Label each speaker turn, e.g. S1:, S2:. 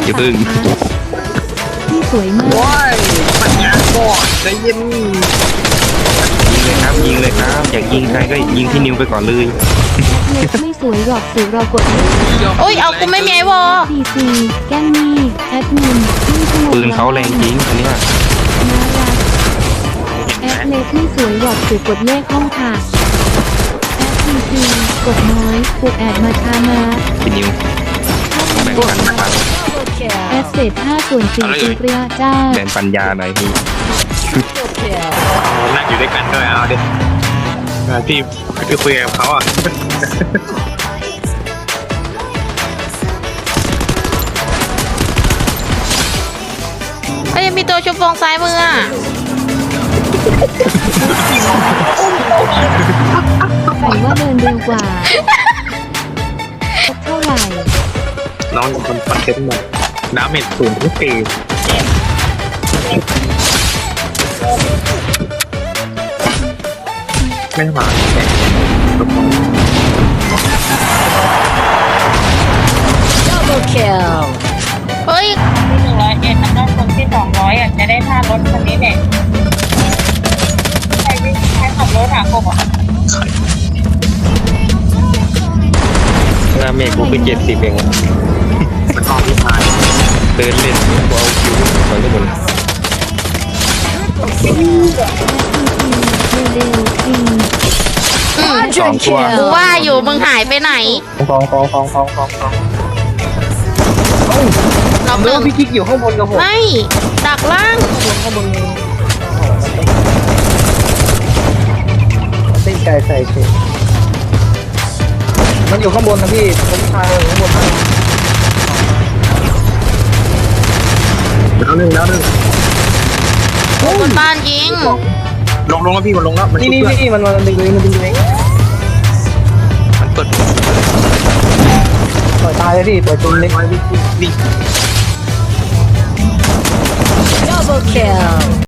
S1: อย่าพึ่ง
S2: ที่สวยมาก
S3: ว้ายปัญญาบอดใจเย็น
S1: ยิงเลยครับอยากยิงใครก็ยิงที่นิวไปก่อนเลย
S2: เล็กไม่สวยหรอกสื่อรอกด
S4: โอ้ยเอากูไม่มีไอวอ
S2: ดีซีแกล้งนี่แอดมินขึ้นขนม
S1: ปืนเขาแรงจริงอันเนี้ย
S2: น่ารักแอดเล็กไม่สวยหรอกสื่อกดเลขห้องค่ะแอดดีซีกดน้อยปลุกแอดมาช้ามา
S1: ที่นิวแบ่งปันนะครับ
S2: แอดเศษ5 ส่วน 4จุเรียจ้า
S1: แบ่งปัญญาหน่อยพี่
S3: นั่งอยู่ด้วยกันด้วยเอาดิพี่คือคุยกับเขาอ่ะ
S4: เอ้ยมีตัวชุบฟองซ้ายมืออ่ะ
S2: ใส่ว่าเดินเร็วกว่าเท่าไหร่
S3: น้องคนคอนเทนต์มาน้ำเม็ดสูงทุกปีไม่มาแต่
S4: เฮ้ย
S5: ที่101แล้วก็คนที่200อ่ะจะได้ท่ารถคันนี้เนี่ยใครขับรถหากบอ่ะ
S1: หน้าเมฆกูคือ70เอง
S3: มันออกที่พาย
S1: เดินเล่นกูเอาคิวก่อนทุกคน
S2: เร็วๆจริง
S1: สองตัว
S4: กูว่าอยู่มึงหายไปไหน
S3: ฟอง
S4: รอบห
S3: เมื่
S4: นึ่
S3: อง พี่กิ๊กอยู่ข้างบนกับผม
S4: ไม่ดักล่าง
S3: ข้างบนเส้นไก่ใส่เชฟมันอยู่ข้างบนนะพี่ผมชายอยู่ข้างบนแล้วหนึ่ง
S4: บนบ้านยิง
S3: ลงแล้วพี่มันลงแล้วนี่พี่มันดึงเลยมันเปิดปล่อยตายเลยพี่ปล่อยตัวเล็กไว้พี่